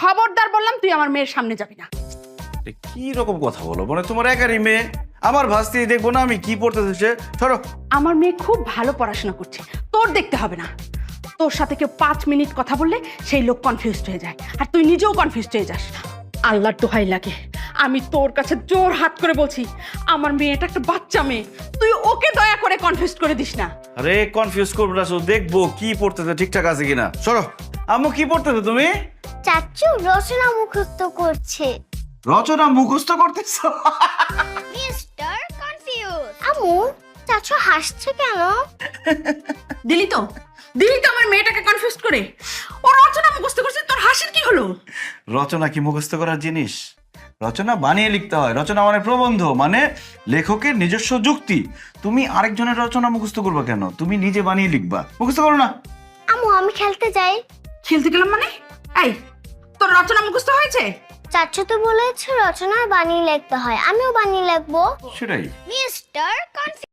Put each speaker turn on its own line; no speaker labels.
খবরদার বললাম তুই আমার মেয়ের সামনে যাবি না।
কি রকম কথা বলো, মানে তোমার একারই মেয়ে, আমার ভাস্তি দেখবো না আমি কি পড়তেছে? ধরো,
আমার মেয়ে খুব ভালো পড়াশোনা করছে, তোর দেখতে হবে না। তোর সাথে কেউ 5 মিনিট কথা বললে সেই লোক কনফিউজড হয়ে যায়, আর তুই নিজেও কনফিউজড হয়ে যাস। আল্লাহর দোহাই লাগে, আমি তোর কাছে জোর হাত করে বলছি, আমার মেয়েটা একটা বাচ্চা মেয়ে, তুই ওকে দয়া করে কনফিউজ করে দিস না।
আরে কনফিউজ করবো না, শুধু দেখবো কি পড়তেছে ঠিকঠাক আছে কিনা। সরো। আম্মু কি পড়তেছে তুমি?
চাচু রচনা মুখস্থ করছে।
রচনা মুখস্থ করতেছো?
Mister confuse. আম্মু, চাচু হাসছে কেন?
দিলি তো আমার মেয়েটাকে কনফিউজ করে। ও রচনা মুখস্থ করছে, তোর হাসির কি হলো?
রচনা কি মুখস্থ করার জিনিস? রচনা বানিয়ে লিখতে হয়। রচনা মানে প্রবন্ধ, মানে লেখকের নিজস্ব যুক্তি। তুমি আরেকজনের রচনা মুখস্থ করবা কেন? তুমি নিজে বানিয়ে লিখবা, মুখস্থ করো না।
আম্মু, আমি খেলতে যাই।
খেলতে গেলাম মানে? এই, তোর রচনা মুখস্থ হয়েছে?
চাচু তো বলেছে রচনা বানিয়ে লিখতে হয়, আমিও বানিয়ে লিখবো।
সেটাই।
Mister confuse.